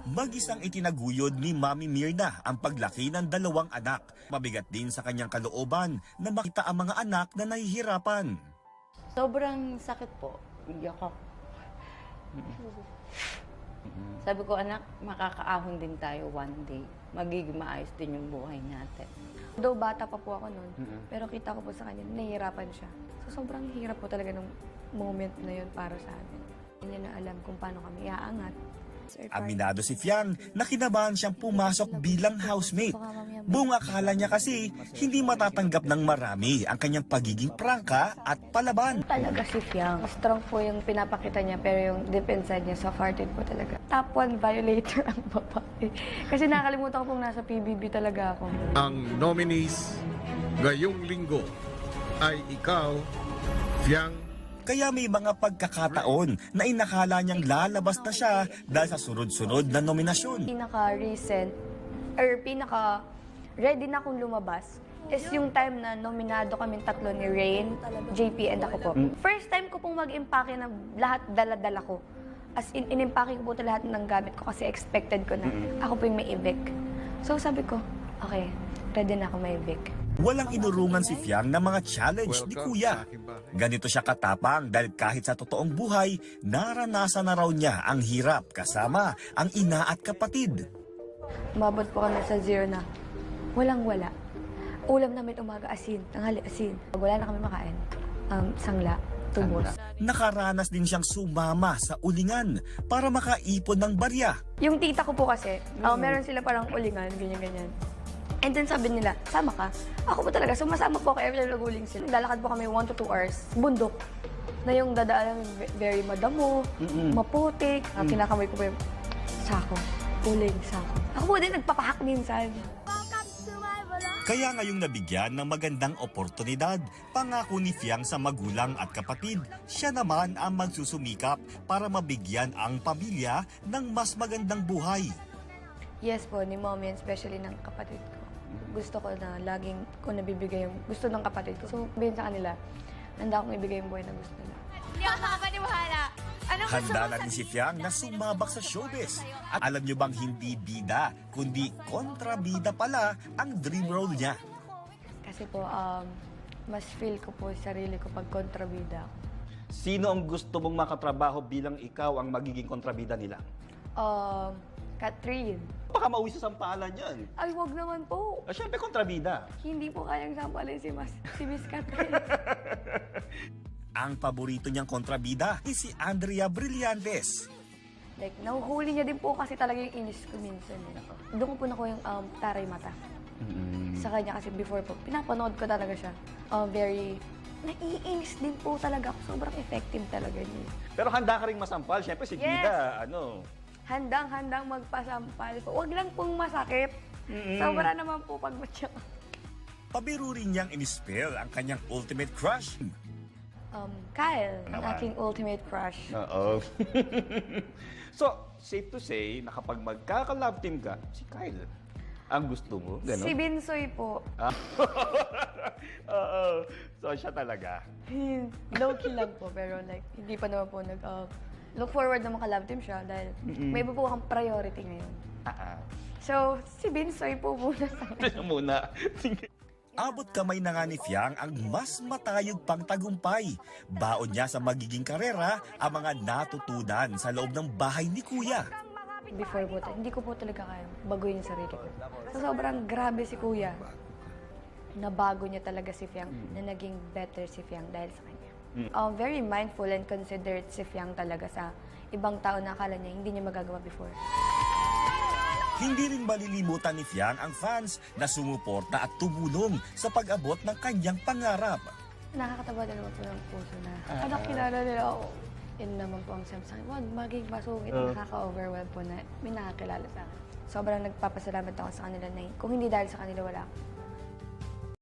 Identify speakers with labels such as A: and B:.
A: Mag-isang itinaguyod ni Mami Mirna ang paglaki ng 2 anak. Mabigat din sa kanyang kalooban na makita ang mga anak na nahihirapan.
B: Sobrang sakit po. Iyak ako. Sabi ko, anak, makakaahon din tayo one day. Magiging maayos din yung buhay natin. Though bata pa po ako noon, pero kita ko po sa kanya, nahihirapan siya. So sobrang hirap po talaga ng moment na yun para sa amin. Hindi niya na alam kung paano kami iaangat.
A: Aminado si Fiang na kinabahan siyang pumasok bilang housemate. Buong akala niya kasi hindi matatanggap ng marami ang kanyang pagiging prangka at palaban.
B: Talaga si Fiang. Strong po yung pinapakita niya, pero yung deep inside niya, soft-hearted po talaga. Top 1 violator ang babae. Kasi nakalimutan ko pong nasa PBB talaga ako.
C: Ang nominees ngayong linggo ay ikaw, Fiang.
A: Kaya may mga pagkakataon na inakala niyang lalabas na siya dahil sa sunod-sunod na nominasyon.
B: Pinaka-recent, or pinaka-ready na akong lumabas is yung time na nominado kami tatlo ni Rain, JP, and ako po. First time ko pong mag-impake ng lahat dala-dala ko. As in, inimpake ko po lahat ng gamit ko kasi expected ko na ako po yung may evic. So sabi ko, okay, ready na ako may evic.
A: Walang inurungan si Fiang ng mga challenge ni Kuya. Ganito siya katapang dahil kahit sa totoong buhay, naranasan na raw niya ang hirap kasama ang ina at kapatid.
B: Umabot po kami sa 0 na walang-wala. Ulam namin umaga asin, tanghali asin. Pag wala na kami makain, sangla, tubos.
A: Nakaranas din siyang sumama sa ulingan para makaipon ng barya.
B: Yung tita ko po kasi, meron sila parang ulingan, ganyan-ganyan. And then sabi nila, sama ka. Ako po talaga, sumasama po ako every time naguling sila. Lalakad po kami 1 to 2 hours, bundok. Na yung dadaan very madamo, maputik. Kinakamay ko po yung sako, uling, sako. Ako po din nagpapahak minsan.
A: Kaya ngayong nabigyan ng magandang oportunidad, pangako ni Fiang sa magulang at kapatid, siya naman ang magsusumikap para mabigyan ang pamilya ng mas magandang buhay.
B: Yes po, ni mommy, especially ng kapatid ko. Gusto ko na laging ko nabibigay yung gusto ng kapatid ko. So, sabihin sa kanila, handa akong ibigay yung buhay na gusto nila.
D: Hindi ako makapaniwala.
A: Handa na din si Fiang na sumabak sa showbiz. At alam niyo bang hindi bida, kundi kontrabida pala ang dream role niya.
B: Kasi po, mas feel ko po sarili ko pag kontrabida ako.
E: Sino ang gusto mong makatrabaho bilang ikaw ang magiging kontrabida nila?
B: Catherine.
E: Baka mauwi sa sampalan yan.
B: Ay, wag naman po.
E: Siyempre kontrabida.
B: Hindi po kayang sampalin si Miss Catherine.
A: Ang paborito niyang kontrabida is si Andrea Brillantes.
B: Like, nahuhuli niya din po kasi talaga yung inis ko minsan. Doon ko po nakuha yung taray mata. Sa kanya kasi before po, pinapanood ko talaga siya. Very, naiinis din po talaga ako. Sobrang effective talaga niya.
E: Pero handa ka rin masampal. Siyempre si Gida,
B: Handang-handang magpasampal. Huwag lang pong masakit. Sobra naman po pag matya.
A: Pabiro rin niyang inispell ang kanyang ultimate crush.
B: Kyle, ang aking ultimate crush.
E: Oo. So, safe to say na kapag magkaka-love team ka, si Kyle ang gusto mo. Ganon?
B: Si Binsoy po.
E: Oo. So, siya talaga.
B: Low-key lang po, pero like, hindi pa naman po look forward na maka-love team siya dahil may iba po akong priority ngayon. So, si Binsoy po muna sa akin.
E: Muna.
A: Abot kamay na nga ni Fiang ang mas matayog pang tagumpay. Baon niya sa magiging karera ang mga natutunan sa loob ng bahay ni Kuya.
B: Before po, hindi ko po talaga kaya baguhin yung sarili ko. So, sobrang grabe si Kuya. Nabago niya talaga si Fiang, na naging better si Fiang dahil sa kanya. Very mindful and considerate si Fiang talaga sa ibang tao na akala niya hindi niya magagawa before.
A: Hindi rin malilimutan ni Fiang ang fans na sumuporta at tumulong sa pag-abot ng kanyang pangarap.
B: Nakakatawa din naman po ng puso na, anak, kilala nila ako. Yun naman po ang sabi sa akin, wag maging masungit, nakaka-overwhelm po na may nakakilala sa akin. Sobrang nagpapasalamat ako sa kanila na kung hindi dahil sa kanila wala ako.